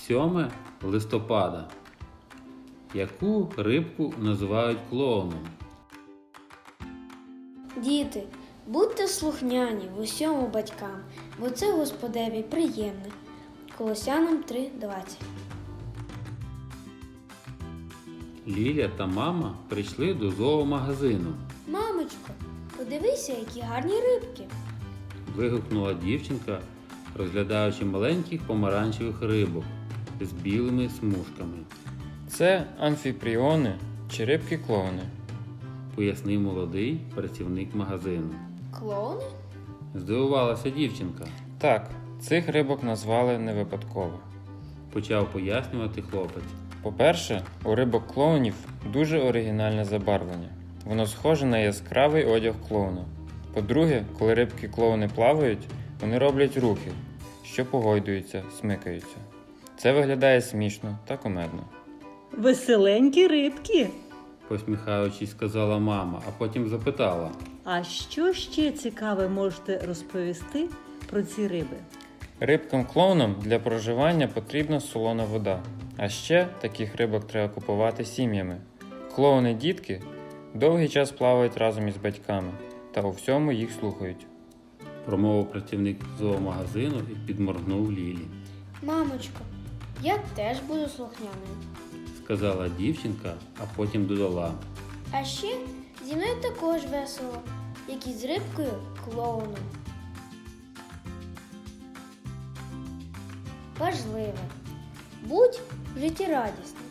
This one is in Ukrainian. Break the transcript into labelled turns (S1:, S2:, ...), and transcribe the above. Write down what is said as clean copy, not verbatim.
S1: 7 листопада. Яку рибку називають клоуном?
S2: Діти, будьте слухняні в усьому батькам, бо це Господеві приємне. Колосянам 3:20.
S1: Ліля та мама прийшли до зоомагазину.
S2: Мамочко, подивися, які гарні рибки.
S1: Вигукнула дівчинка, розглядаючи маленьких помаранчевих рибок з білими смужками.
S3: Це амфіпріони чи рибки-клоуни.
S1: Пояснив молодий працівник магазину.
S2: Клоуни?
S1: Здивувалася дівчинка.
S3: Так, цих рибок назвали не випадково.
S1: Почав пояснювати хлопець.
S3: По-перше, у рибок-клоунів дуже оригінальне забарвлення. Воно схоже на яскравий одяг клоуна. По-друге, коли рибки-клоуни плавають, вони роблять рухи, що погойдуються, смикаються. Це виглядає смішно та кумедно.
S4: Веселенькі рибки.
S1: Посміхаючись, сказала мама, а потім запитала.
S4: А що ще цікаве можете розповісти про ці риби?
S3: Рибкам-клоунам для проживання потрібна солона вода. А ще таких рибок треба купувати сім'ями. Клоуни-дітки довгий час плавають разом із батьками та у всьому їх слухають.
S1: Промовив працівник зоомагазину і підморгнув Лілі.
S2: Мамочко, я теж буду слухняною.
S1: Сказала дівчинка, а потім додала.
S2: А ще зі мною також весело, як і з рибкою клоуном. Важливе. Будь в житті радісним.